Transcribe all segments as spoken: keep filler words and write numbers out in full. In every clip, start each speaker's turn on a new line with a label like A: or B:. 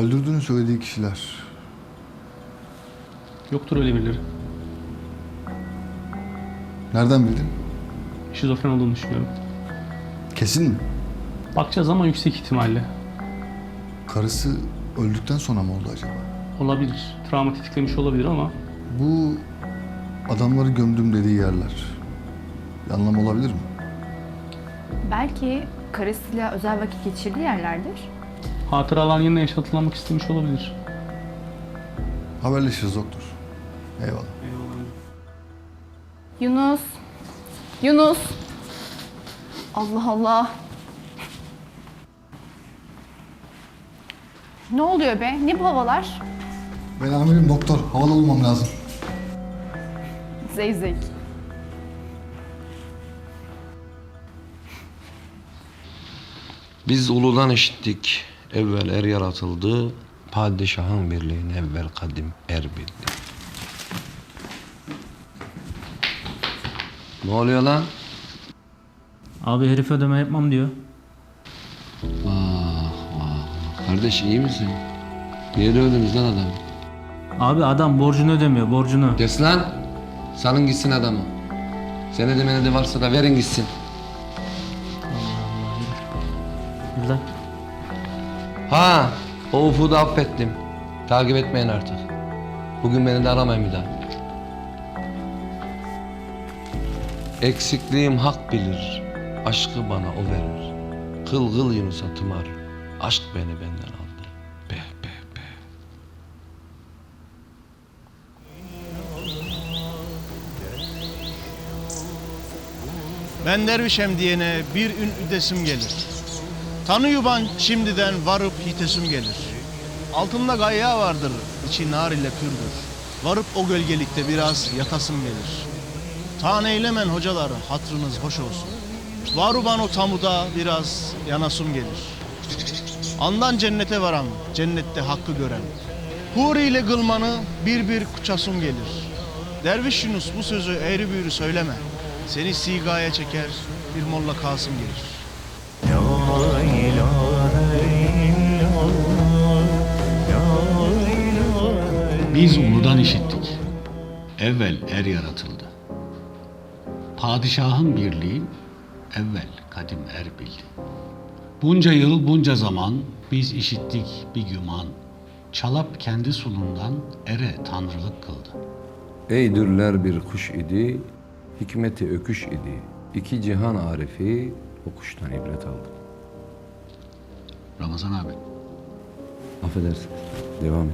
A: Öldürdüğünü söylediği kişiler.
B: Yoktur öyle birileri.
A: Nereden bildin?
B: Şizofren olduğunu düşünüyorum.
A: Kesin mi?
B: Bakacağız ama yüksek ihtimalle.
A: Karısı öldükten sonra mı oldu acaba?
B: Olabilir. Travma tetiklemiş olabilir ama
A: Bu adamları gömdüm dediği yerler. Bir anlam olabilir mi?
C: Belki karısıyla özel vakit geçirdiği yerlerdir.
B: hatıralar yeniden yaşatılmak istemiş olabilir.
A: Haberleşiriz doktor. Eyvallah.
C: Yunus. Yunus. Allah Allah. Ne oluyor be? Ne bu havalar?
A: Ben amirim doktor. Havalı olmam lazım.
C: Zeyzek.
D: Biz uludan işittik, evvel er yaratıldı, padişahın birliğini evvel kadim er bildi. Ne oluyor lan?
E: Abi herif ödeme yapmam diyor.
D: Vah vah. Kardeş iyi misin? Niye dövdünüz lan adamı?
E: Abi adam borcunu ödemiyor, borcunu.
D: Kes lan! Salın gitsin adamı. Senedi menedi varsa da verin gitsin.
E: Yürü lan.
D: Ha! O ufuğu da affettim. Takip etmeyin artık. Bugün beni de aramayın bir daha. Eksikliğim hak bilir. Aşkı bana o verir. Kıl kıl Yunus'a tımar. Aşk beni benden aldı. Be be be.
F: Ben dervişem diyene bir ün üdesim gelir. Tanı yuban şimdiden varıp hitesim gelir. Altında gayya vardır, içi nar ile pürdür. Varıp o gölgelikte biraz yatasım gelir. Tan eylemen hocalar, hatrınız hoş olsun. Varuban o tamuda biraz yanasım gelir. Andan cennete varan, cennette hakkı gören. Huri ile kılmanı bir bir kuçasım gelir. Derviş Yunus bu sözü eğri büğrü söyleme. Seni sigaya çeker, bir molla Kasım gelir.
G: Biz uludan işittik. Evvel er yaratıldı. Padişahın birliği evvel kadim er bildi. Bunca yıl bunca zaman biz işittik bir güman. Çalap kendi sulundan ere tanrılık kıldı.
D: Ey dürler bir kuş idi, hikmeti öküş idi. İki cihan arifi o kuştan ibret aldı.
G: Ramazan abi.
D: Affedersin. Devam et.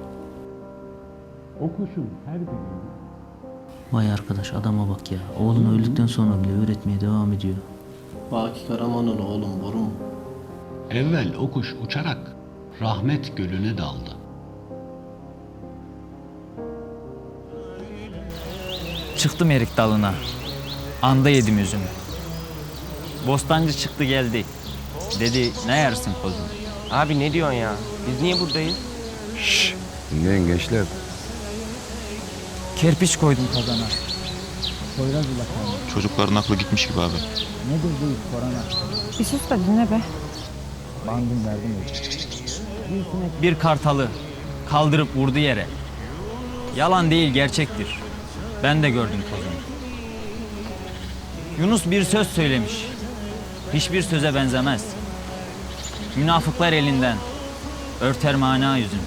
G: O kuşun her bir
E: Vay arkadaş adama bak ya. Oğlunu öldükten sonra bile öğretmeye devam ediyor.
H: Baki Karaman'ın oğlum boru mu?
G: Evvel o kuş uçarak rahmet gölüne daldı.
I: Çıktım erik dalına. Anda yedim üzümü. Bostancı çıktı geldi. Dedi ne yersin kozum?
J: Abi ne diyorsun ya? Biz niye buradayız?
D: Şşş. Dinleyin gençler.
I: Kerpiç koydum kazana. Poyraz ulakanı.
K: Çocukların aklı gitmiş gibi abi.
I: Nedir bu iş korona?
C: Bir sus da dinle be.
I: Bandım verdim öyle. Bir kartalı kaldırıp vurdu yere. Yalan değil gerçektir. Ben de gördüm kozunu. Yunus bir söz söylemiş. Hiçbir söze benzemez. Münafıklar elinden örter mana yüzün.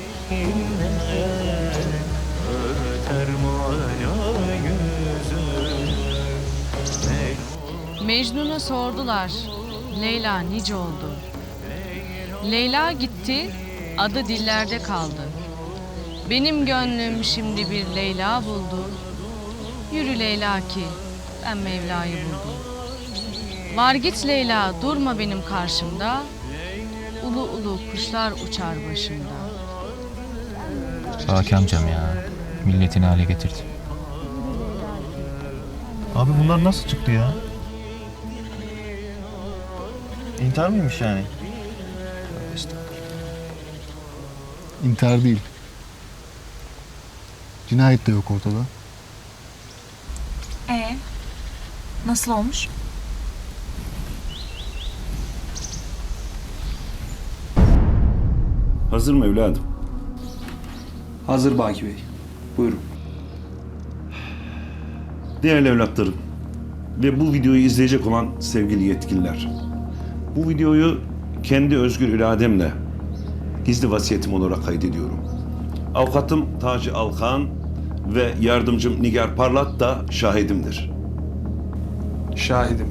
L: Mecnun'a sordular, Leyla nice oldu? Leyla gitti, adı dillerde kaldı. Benim gönlüm şimdi bir Leyla buldu. Yürü Leyla ki ben Mevla'yı buldum. Var git Leyla, durma benim karşımda. Ulu ulu kuşlar uçar başımda.
E: Baki amcam ya. Milletini hale getirdi.
F: Abi bunlar nasıl çıktı ya? İntihar mıymış yani?
A: İntihar değil. Cinayet de yok ortada.
L: Ee, nasıl olmuş?
K: Hazır mı evladım?
M: Hazır Baki Bey. Buyurun.
K: Değerli evlatlarım ve bu videoyu izleyecek olan sevgili yetkililer. Bu videoyu kendi özgür irademle gizli vasiyetim olarak kaydediyorum. Avukatım Taci Alkan ve yardımcım Nigar Parlat da şahidimdir.
M: Şahidim.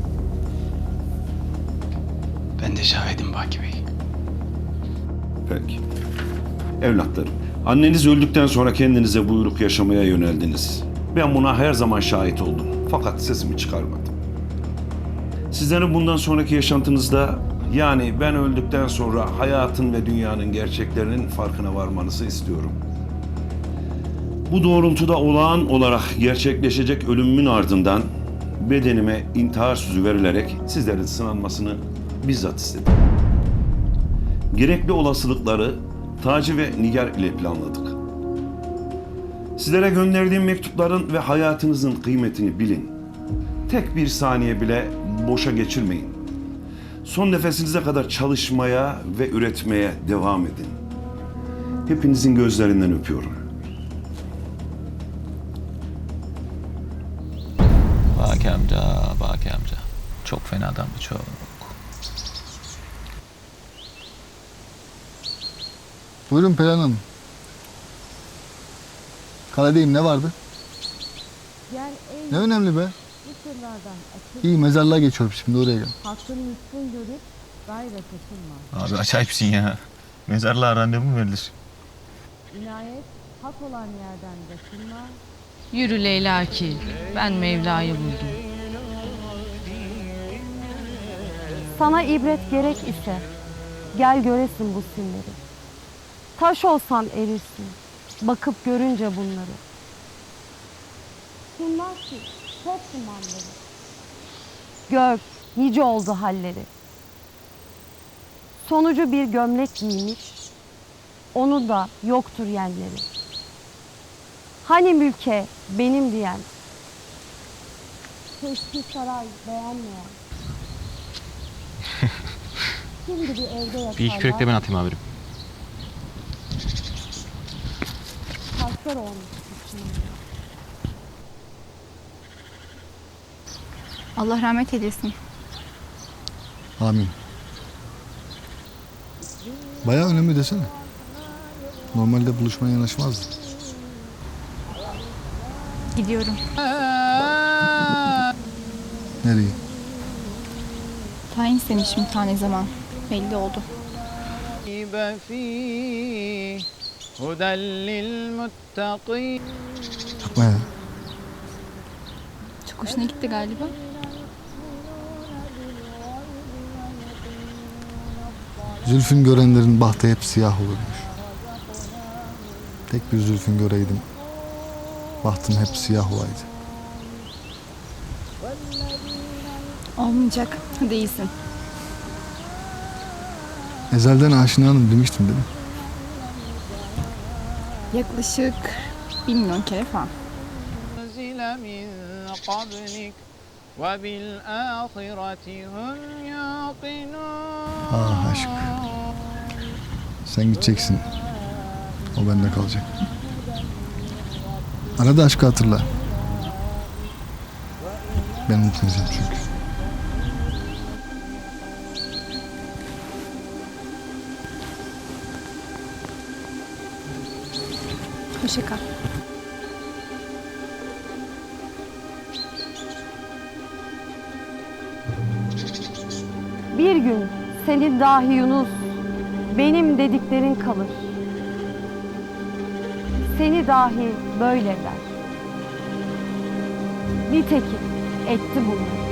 J: Ben de şahidim Baki Bey.
K: Peki. Evlatlarım, anneniz öldükten sonra kendinize buyruk yaşamaya yöneldiniz. Ben buna her zaman şahit oldum. Fakat sesimi çıkarmadım. Sizlerin bundan sonraki yaşantınızda, yani ben öldükten sonra hayatın ve dünyanın gerçeklerinin farkına varmanızı istiyorum. Bu doğrultuda olağan olarak gerçekleşecek ölümümün ardından bedenime intihar sözü verilerek sizlerin sınanmasını bizzat istedim. Gerekli olasılıkları Taci ve Nigar ile planladık. Sizlere gönderdiğim mektupların ve hayatınızın kıymetini bilin. Tek bir saniye bile boşa geçirmeyin. Son nefesinize kadar çalışmaya ve üretmeye devam edin. Hepinizin gözlerinden öpüyorum.
I: Baki amca, Baki amca. Çok fena adam bu, çok.
A: Buyurun Perihan Hanım. Kaledeyim, ne vardı? Ne önemli be? İyi, mezarlığa geçiyorum şimdi, oraya gel.
I: Abi acayipsin ya. Mezarlığa randevu mu verilir?
L: Yürü Leyla ki ben Mevla'yı buldum.
C: Sana ibret gerek ise gel göresin bu simleri. Taş olsan erirsin, bakıp görünce bunları. Bunlar ki çok dumanları. Gör, nice oldu halleri. Sonucu bir gömlek giymiş, onu da yoktur yenleri. Hani mülke benim diyen, keşke saray beğenmeyen. Şimdi bir evde yatarlar.
I: Bir iki kürek de ben atayım amirim.
C: Taşlar olmuş içinde. Allah rahmet eylesin.
A: Amin. Bayağı önemli desene. Normalde buluşmaya yanaşmazdı.
C: Gidiyorum.
A: Nereye?
C: Tayin senin şimdi tane zaman. Belli oldu.
A: Yapma ya.
C: Çok hoşuna gitti galiba.
A: Zülfün görenlerin bahtı hep siyah olurmuş. Tek bir zülfün göreydim. Bahtım hep siyah olaydı.
C: Olmayacak. Değilsin.
A: Ezelden aşinanım demiştim değil mi?
C: Yaklaşık bir milyon kere falan.
A: Ah aşk. Sen gideceksin. O bende kalacak. Arada aşkı hatırla. Ben unutmayacağım çünkü.
C: Hoşça kal. Bir gün senin dahi Yunus, benim dediklerin kalır. Seni dahi böyle der. Nitekim etti bunu.